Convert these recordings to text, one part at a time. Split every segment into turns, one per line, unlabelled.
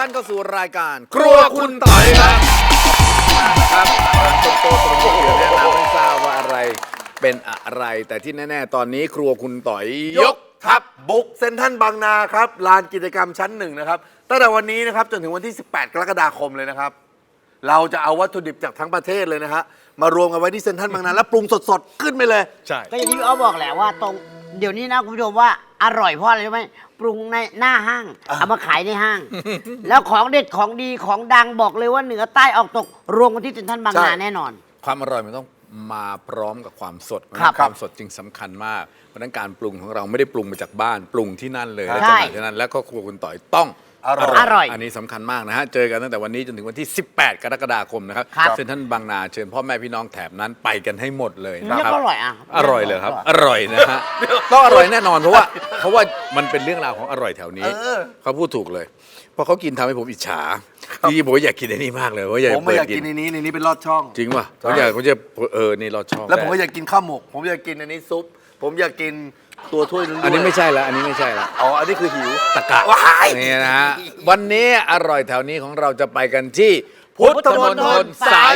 ท่านเข้าสู่รายการครัวคุณต่อยครับครับต้นโตตรงนี้แนะนำให้ทราบว่าอะไรเป็นอะไร แต่ที่แน่ๆตอนนี้ครัวคุณต่อยยกทัพ
บุกเซ็นทรัลบางนาครับลานกิจกรรมชั้นหนึ่งนะครับตั้งแต่วันนี้นะครับจนถึงวันที่ 18 กรกฎาคมเลยนะครับเราจะเอาวัตถุดิบจากทั้งประเทศเลยนะฮะมารวมกันไว้ที่เซ็นทรัลบางนาแล้วปรุงสดๆขึ้นไปเลย
ใช่
ก็อย่างที่พี่อ้อบอกแหละว่าตรงเดี๋ยวนี้นะคุณผู้ชมว่าอร่อยเพราะอะไรรู้ไหมปรุงในหน้าห้างเอามาขายในห้าง แล้วของเด็ดของดีของดังบอกเลยว่าเหนือใต้ออกตกรวมกันที่เซ็นทรัลบางนาแน่นอน
ความอร่อยมันต้องมาพร้อมกับความสด ความสดจึงสำคัญมากเพราะฉะนั้นการปรุงของเราไม่ได้ปรุงมาจากบ้านปรุงที่นั่นเลยและจังหวัดที่นั่นแล้วก็ครัวคุณต่อยต้อง
อร่อย
อันนี้สำคัญมากนะฮะเจอกันตั้งแต่วันนี้จนถึงวันที่ 18 กรกฎาคมนะครับเซ็นทรัลบางนาเชิญพ่อแม่พี่น้องแถบนั้นไปกันให้หมดเลยนะครับ
อร่อย
อร่อยเลยครับอร่อยนะฮะต้องอร่อยแน่นอนเพราะว่ามันเป็นเรื่องราวของอร่อยแถวนี้เขาพูดถูกเลยเพราะเขากินทำให้ผมอิจฉาที่ผมอยากกินในนี้มากเลยว่า
ผมไม่อยากกินในนี้เป็นลอดช่อง
จริงป่ะผมจะนี่ลอดช่อง
แล้วผมก็อยากกินข้าวหมกผมอยากกินอันนี้ซุปผมอยากกินตัวถ้วยนึง
อันนี้ไม่ใช่ละอันนี้ไม่ใช่ละ
อ๋ออันนี้คือหิว
ตะกะนี่นะฮะวันนี้อร่อยแถวนี้ของเราจะไปกันที่พุทธมณฑลสาย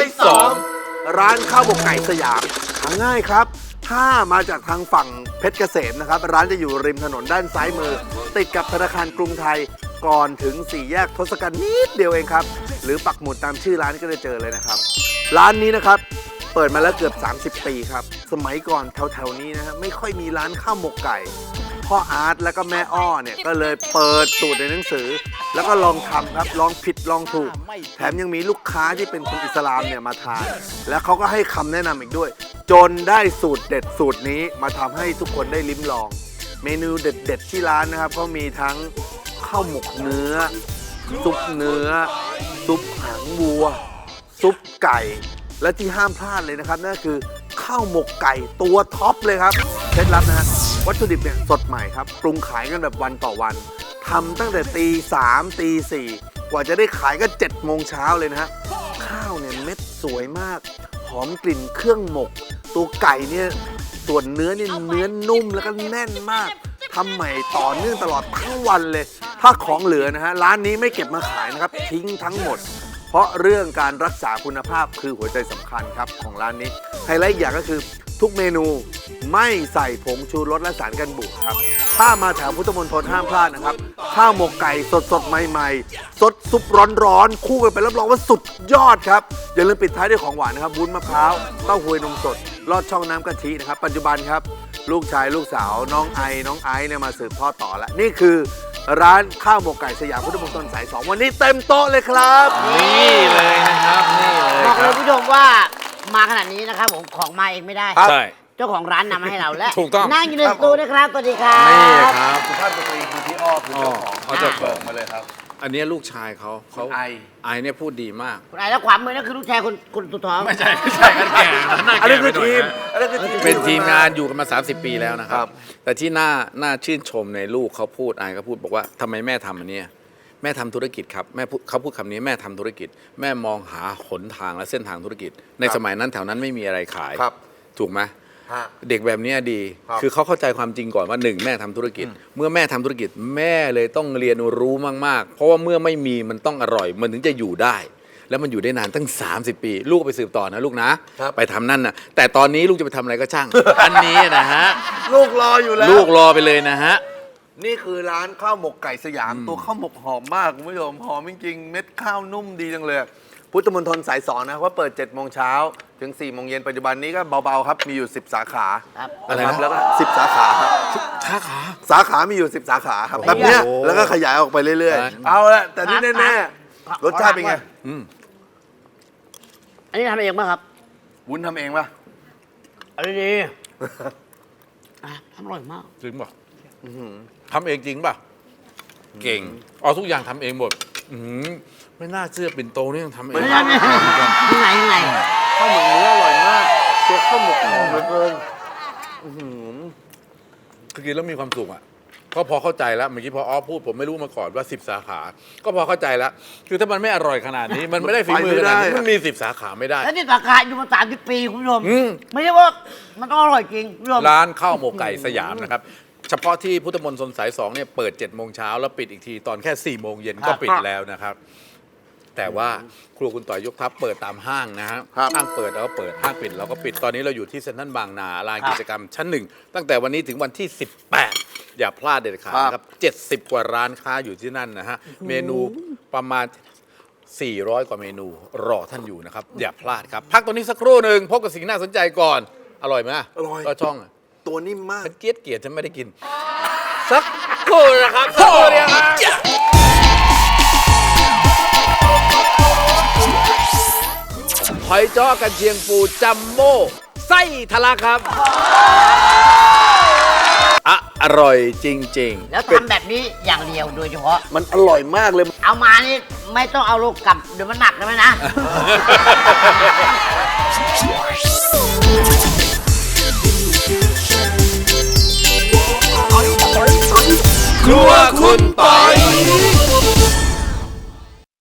2
ร้านข้าวหมกไก่สยามหาง่ายครับถ้ามาจากทางฝั่งเพชรเกษมนะครับร้านจะอยู่ริมถนนด้านซ้ายมือติดกับธนาคารกรุงไทยก่อนถึง4 แยกทศกัณฐ์นิดเดียวเองครับหรือปักหมุดตามชื่อร้านก็จะเจอเลยนะครับร้านนี้นะครับเปิดมาแล้วเกือบ30 ปีครับสมัยก่อนแถวๆนี้นะฮะไม่ค่อยมีร้านข้าวหมกไก่พ่ออาร์ตและก็แม่อ้อเนี่ยก็เลยเปิดสูตรในหนังสือแล้วก็ลองทำครับลองผิดลองถูกแถมยังมีลูกค้าที่เป็นคนอิสลามเนี่ยมาทานแล้วเขาก็ให้คำแนะนำอีกด้วยจนได้สูตรเด็ดสูตรนี้มาทำให้ทุกคนได้ลิ้มลองเมนูเด็ดๆที่ร้านนะครับก็มีทั้งข้าวหมกเนื้อซุปเนื้อซุปหางวัวซุปไก่และที่ห้ามพลาดเลยนะครับนั่นคือข้าวหมกไก่ตัวท็อปเลยครับเคล็ดลับนะฮะวัตถุดิบเนี่ยสดใหม่ครับปรุงขายกันแบบวันต่อวันทำตั้งแต่ตี 3 ตี 4กว่าจะได้ขายก็7 โมงเช้าเลยนะฮะข้าวเนี่ยเม็ดสวยมากหอมกลิ่นเครื่องหมกตัวไก่เนี่ยส่วนเนื้อเนี่ยเนื้อนุ่มแล้วก็แน่นมากทำใหม่ต่อเนื่องตลอดทั้งวันเลยถ้าของเหลือนะฮะร้านนี้ไม่เก็บมาขายนะครับทิ้งทั้งหมดเพราะเรื่องการรักษาคุณภาพคือหัวใจสำคัญครับของร้านนี้ไฮไลท์อีกอย่างก็คือทุกเมนูไม่ใส่ผงชูรสและสารกันบูดครับถ้ามาแถวพุทธมณฑลห้ามพลาดนะครับข้าวหมกไก่สดๆใหม่ๆสดซุปร้อนๆคู่กันไปรับรองว่าสุดยอดครับอย่าลืมปิดท้ายด้วยของหวานนะครับวุ้นมะพร้าวเต้าหู้นมสดลอดช่องน้ำกะทินะครับปัจจุบันครับลูกชายลูกสาวน้องไอซ์เนี่ยมาสืบทอดต่อแล้วนี่คือร้านข้าวหมกไก่สยามพุทธมณฑลสาย 2วันนี้เต็มโต๊ะเลยครับ
นี่เลยนะครับนี่เลย
บอกเลยผู้ชมว่ามาขนาดนี้นะครับผมของมาเองไม่ได้
ใช่
เจ้าของร้านนำมาให้เราและ
ถูกต้อง
นั่งอยู่ในสตูนะครับสวัสดีครับ
นี่ครับ
สุภาพสตรีคือพี่อ้อคือเจ้าของมาเลยครับ
อันนี้ลูกชายเขาไอเนี่ยพูดดีมาก
คุณไอแล้วขวามือนั่นคือลูกชายคุณสุดท้อง
ไม่ใช่กันแก่
อันนี้คือทีม
เป็นทีมงานอยู่กันมา30 ปีแล้วนะครับแต่ที่น่าชื่นชมในลูกเขาพูดไอก็พูดบอกว่าทำไมแม่ทำอันนี้แม่ทำธุรกิจครับเขาพูดคำนี้แม่ทำธุรกิจแม่มองหาหนทางและเส้นทางธุรกิจในสมัยนั้นแถวนั้นไม่มีอะไรขายถูกไหมเด็กแบบนี้ดีคือเขาเข้าใจความจริงก่อนว่า1แม่ทำธุรกิจเมื่อแม่ทำธุรกิจแม่เลยต้องเรียนรู้มากๆเพราะว่าเมื่อไม่มีมันต้องอร่อยมันถึงจะอยู่ได้แล้วมันอยู่ได้นานตั้ง30 ปีลูกไปสืบต่อนะลูกนะไปทำนั่นนะแต่ตอนนี้ลูกจะไปทำอะไรก็ช่างอันนี้นะฮะ
ลูกรออยู่แล้ว
ลูกรอไปเลยนะฮะ
นี่คือร้านข้าวหมกไก่สยามตัวข้าวหมกหอมมากคุณผู้ชมหอมจริงๆเม็ดข้าวนุ่มดีจังเลยพุทธมณฑลสาย 2นะว่าเปิด7 โมงเช้าถึง4 โมงเย็นปัจจุบันนี้ก็เบาๆครับมีอยู่10 สาขา
อะไรนะ
แล้วก็10 สาขาครับสาขามีอยู่10 สาขาครับแบบนี้แล้วก็ขยายออกไปเรื่อยๆเอาละแต่นี่แน่ๆรสชาติเป็นไง
อันนี้ทำเองป่ะครับ
วุ้นทำเองป่ะ
อันนี้ดีทำอร่อยมาก
จริงป่ะทำเองจริงป่ะเก่งทุกอย่างทำเองหมดไม่น่าเชื่อปิ่นโตนี่ยังทำเอง
ไม่ยังไง
ข้าวหมกเนื้ออร่อยมากตัวข้าวหมกหอมเหลือเกิน
คือกินแล้วมีความสุขอ่ะก็พอเข้าใจแล้วเมื่อกี้พอพูดผมไม่รู้มาก่อนว่า10 สาขาก็พอเข้าใจแล้วคือถ้ามันไม่อร่อยขนาดนี้มันไม่ได้ฝีมือขนาดนี้มันมี10 สาขาไม่ได้
แล้ว10 สาขาอยู่มา30 ปีคุณผู้ชมไม่ใช่ว่ามันต้องอร่อยจริง
ร้านข้าวหมกไก่สยามนะครับเฉพาะที่พุทธมณฑลสาย2เนี่ยเปิด7 โมงเช้าแล้วปิดอีกทีตอนแค่4 โมงเย็นก็ปิดแล้วนะครับ แต่ว่าครัวคุณต่อยยกทัพเปิดตามห้างนะฮะ
ครับ
ห้างเปิดเราก็เปิดห้างปิดเราก็ปิดตอนนี้เราอยู่ที่เซ็นทรัลบางนาลานกิจกรรมชั้น 1 ตั้งแต่วันนี้ถึงวันที่ 18 อย่าพลาดเด็ดขาดนะครับ70 กว่าร้านค้าอยู่ที่นั่นนะฮะเมนูประมาณ 400 กว่าเมนูรอท่านอยู่นะครับ อย่าพลาดครับ พักตัวนี้สักครู่หนึ่งพบกับสิ่งน่าสนใจก่อน อร่อยไหม
อร่อย
ก็ช่องอะ
ตัวนิ่มมาก
ฉันเกลียดฉันไม่ได้กิน สักครู่นะครับสักครู่เดียวครับหอยจ้อกันเชียงปูจัมโบ้ไส้ทะลักครับอร่อยจริงๆ
แล้วทำแบบนี้อย่างเดียวโดยเฉพาะ
มันอร่อยมากเลย
เอามานี่ไม่ต้องเอาลูกกลับเดี๋ยวมันหนักนะแม่นะ